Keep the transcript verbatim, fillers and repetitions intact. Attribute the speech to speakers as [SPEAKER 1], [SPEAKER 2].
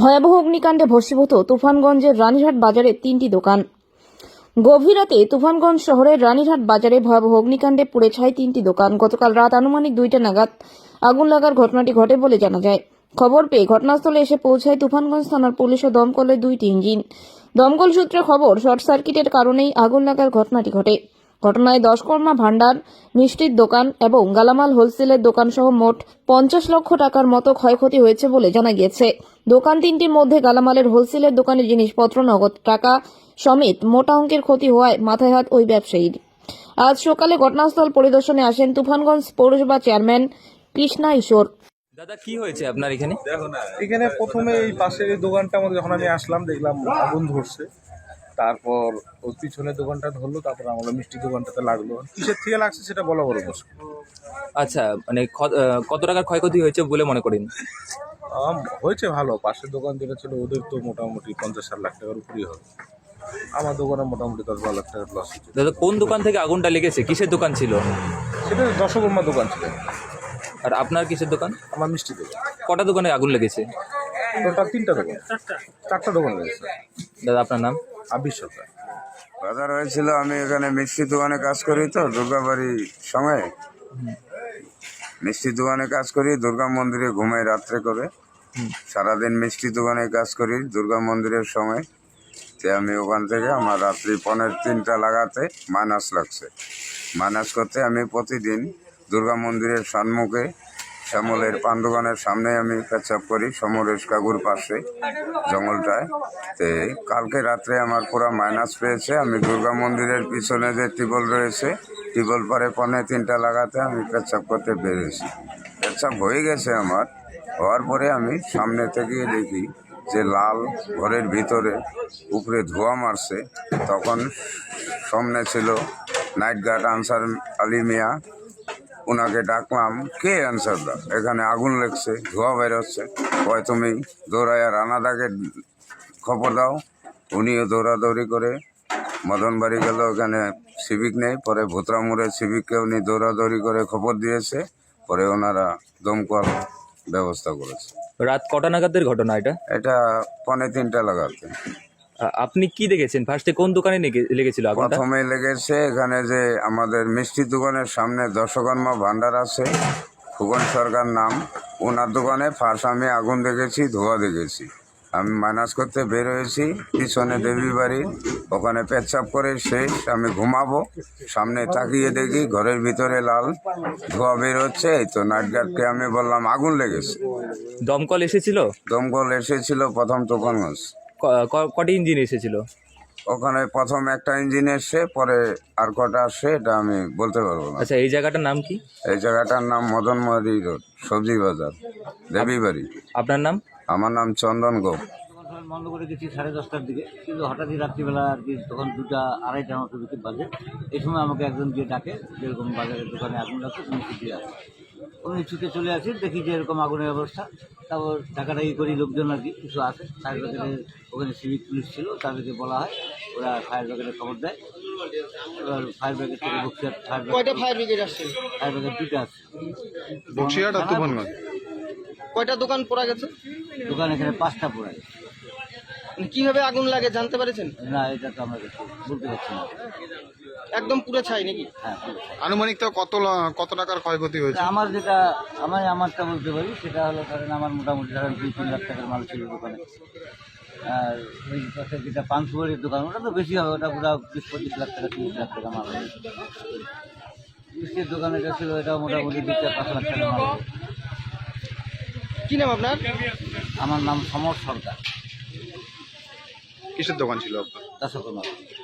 [SPEAKER 1] ভয়াবহ অগ্নিকাণ্ডে ভস্মীভূত তুফানগঞ্জের রানীরহাট বাজারে তিনটি দোকান। গভীর রাতে তুফানগঞ্জ শহরের রানীরহাট বাজারে ভয়াবহ অগ্নিকাণ্ডে পুড়ে ছাই তিনটি দোকান। গতকাল রাত আনুমানিক দুইটা নাগাদ আগুন লাগার ঘটনাটি ঘটে বলে জানা যায়। খবর পেয়ে ঘটনাস্থলে এসে পৌঁছায় তুফানগঞ্জ থানার পুলিশ ও দমকলের দুইটি ইঞ্জিন। দমকল সূত্রে খবর, শর্ট সার্কিটের কারণেই আগুন লাগার ঘটনাটি ঘটে। ঘটনায় দশকর্মা ভান্ডার, মিষ্টির দোকান এবং গালামাল হোলসেলের দোকান সহ মোট পঞ্চাশ লক্ষ টাকার মতো ক্ষয়ক্ষতি হয়েছে বলে জানা গিয়েছে। দোকান তিনটির মধ্যে গালামালের হোলসেলের দোকানের জিনিসপত্র, নগদ টাকা সমেত মোটা অঙ্কের ক্ষতি হওয়ায় মাথায় হাত ওই ব্যবসায়ীর। আজ সকালে ঘটনাস্থল পরিদর্শনে আসেন তুফানগঞ্জ পৌরসভা চেয়ারম্যান কৃষ্ণা ঈশ্বর।
[SPEAKER 2] দাদা, কি হয়েছে আপনার এখানে?
[SPEAKER 3] এখানে প্রথমে এই পাশের এই দোকানটা আমাদের যখন আমি আসলাম দেখলাম আগুন ধরছে, তারপর ওই পিছনের দোকানটা ধরলো, তারপর আমরা মিষ্টি দোকানটাতে লাগলো। কিসের থেকে লাগছে সেটা বলা বড় মুশকিল।
[SPEAKER 2] আচ্ছা, মানে খ- আহ, কত টাকার ক্ষয়ক্ষতি হয়েছে বলে মনে করেন?
[SPEAKER 3] আম, হয়েছে ভালো। পাশের দোকান যেটা ছিল ওদের তো মোটামুটি পঞ্চাশ ষাট লাখ টাকার উপরেই হবে। আমার দোকানে মোটামুটি দশ বারো লাখ টাকার লস হচ্ছে।
[SPEAKER 2] দাদা, কোন দোকান থেকে আগুনটা লেগেছে? কিসের দোকান ছিল?
[SPEAKER 3] সেটা দশকর্মা দোকান ছিল।
[SPEAKER 2] আর আপনার কিসের দোকান?
[SPEAKER 3] আমার মিষ্টি দোকান।
[SPEAKER 2] কটা দোকানে আগুন লেগেছে?
[SPEAKER 3] টোটাল তিনটা দোকান, চারটা দোকান রয়েছে।
[SPEAKER 2] দাদা, আপনার নাম?
[SPEAKER 3] আবির সরকার।
[SPEAKER 4] বাজার হয়েছিল, আমি এখানে মিষ্টি দোকানে কাজ করি, তো দুর্গাবাড়ির সময় মিষ্টি দোকানে কাজ করি, দুর্গা মন্দিরে ঘুমাই রাত্রে করে। সারাদিন মিষ্টি দোকানে কাজ করি দুর্গা মন্দিরের সময়। তো আমি ওখান থেকে আমার রাত্রি পনের তিনটা লাগাতে মাইনাস লাগছে। মাইনাস করতে আমি প্রতিদিন দুর্গা মন্দিরের সম্মুখে শ্যামলের পান দোকানের সামনে আমি পেচ্ছাপ করি, সমরেশ কাকুর পাশে জঙ্গলটায়। তো কালকে রাত্রে আমার পুরো মাইনাস পেয়েছে। আমি দুর্গা মন্দিরের পিছনে যে টিবল রয়েছে, টিবল পরে পনে তিনটা লাগাতে আমি পেচ্ছাপ করতে পেরেছি। পেচ্ছাপ হয়ে গেছে আমার। হওয়ার পরে আমি সামনে থেকে দেখি যে লাল ঘরের ভিতরে উপরে ধোঁয়া মারছে। তখন সামনে ছিল নাইট গার্ড আনসার আলী মিয়া। ওনাকে ডাকলাম, কে আনসার দা, এখানে আগুন লেগছে, ধোঁয়া বেরোচ্ছে। কয় তুমি দৌড়াইয়া রানাদাকে খবর দাও। উনিও দৌড়াদৌড়ি করে মদন বাড়ি গেল, ওখানে সিভিক নেই। পরে ভুতরামুড়ের সিভিককে উনি দৌড়াদৌড়ি করে খবর দিয়েছে। পরে ওনারা দমকল ব্যবস্থা করেছে।
[SPEAKER 2] রাত কটা নাগাদের ঘটনা এটা?
[SPEAKER 4] এটা পনে তিনটা লাগাতে।
[SPEAKER 2] আ- আপনি কি দেখেছেন? ফার্স্টে কোন দোকানে লেগে- লেগেছিল আগুনটা?
[SPEAKER 4] প্রথমে লেগেছে এখানে যে আমাদের মিষ্টি দোকানের সামনে দশকর্মা ভান্ডার আছে, ফুকন সরকার নাম, ওনার দোকানে ফার্স্ট আমি আগুন দেখেছি, ধোঁয়া দেখেছি। আমি মাইনাস করতে বের হয়েছি পিছনে দেবী বাড়ি, ওখানে পেচ্ছাপ করে শেষ। আমি ঘুমাবো, সামনে তাকিয়ে দেখি ঘরের ভিতরে লাল ধোঁয়া বের হচ্ছে। এই তো নাইট গার্ডকে আমি বললাম আগুন লেগেছে।
[SPEAKER 2] দমকল এসেছিল?
[SPEAKER 4] দমকল এসেছিল প্রথম তুফানগঞ্জ।
[SPEAKER 2] ক- ক- কটি ইঞ্জিন এসেছিল?
[SPEAKER 4] ওখানে প্রথম একটা ইঞ্জিন এসছে, পরে আর কটা আসছে এটা আমি বলতে পারবো না।
[SPEAKER 2] আচ্ছা, এই জায়গাটার নাম কি?
[SPEAKER 4] এই জায়গাটার নাম মদনমোহনী রোড, সবজি বাজার, দেবীবাড়ি।
[SPEAKER 2] আপনার নাম?
[SPEAKER 4] আমার নাম চন্দন গোপ।
[SPEAKER 5] দোকান বন্ধ করে গেছি সাড়ে দশটার দিকে, কিন্তু হঠাৎই রাত্রিবেলা আর কি তখন দুটা আড়াইটা মতো বিকেল বাজে। এই সময় আমাকে একজন গিয়ে ডাকে, যেরকম বাজারের দোকানে আগুন লাগছে, তুমি ছুটি আসো। উনি ছুটে চলে আসি, দেখি যে এরকম আগুনের অবস্থা। তারপর টাকাটাকি করি, লোকজন আর কি কিছু আসে ফায়ার ব্রিগেডের, ওখানে সিভিক পুলিশ ছিল, তাদেরকে বলা হয়, ওরা ফায়ার ব্রিগেডে খবর দেয়। এবার ফায়ার ব্রিগেড থেকে বক্সিয়াট ফায়ার
[SPEAKER 6] কয়টা ফায়ার ব্রিগেড আসছে?
[SPEAKER 5] ফায়ার ব্রিগেড দুটো আসছে।
[SPEAKER 6] বক্সিরহাট আর তুফানগঞ্জ কয়টা দোকান পোড়া গেছে?
[SPEAKER 5] দোকান এখানে পাঁচটা পড়ে।
[SPEAKER 6] মানে কিভাবে আগুন লাগে জানতে পেরেছেন?
[SPEAKER 5] না, এটা তো আমরা কিছু বলতে পারছি না।
[SPEAKER 6] একদম পুরো ছাই নাকি?
[SPEAKER 5] হ্যাঁ, পুরো।
[SPEAKER 7] আনুমানিক তো কত লা- কত টাকার ক্ষয়ক্ষতি হয়েছে?
[SPEAKER 5] আমার যেটা আমি আমারটা বলতে পারি, সেটা হলো ধরেন আমার মোটামুটি ধরেন দুই তিন লাখ টাকার মাল ছিল দোকানে। আর ওই পাশে যেটা পানসুপারির দোকান, ওটা তো বেশি হবে, ওটা পুরো বিশ পঁচিশ লাখ টাকা তিরিশ লাখ টাকা মাল হবে। মিষ্টির দোকানে যেটা ছিল, এটাও মোটামুটি দুই চার পাঁচ লাখ টাকা মাল হবে।
[SPEAKER 6] কি নাম আপনার?
[SPEAKER 5] আমার নাম সমর সরকার,
[SPEAKER 7] কিসের দোকান ছিল আপনার?
[SPEAKER 5] দশকর্মা।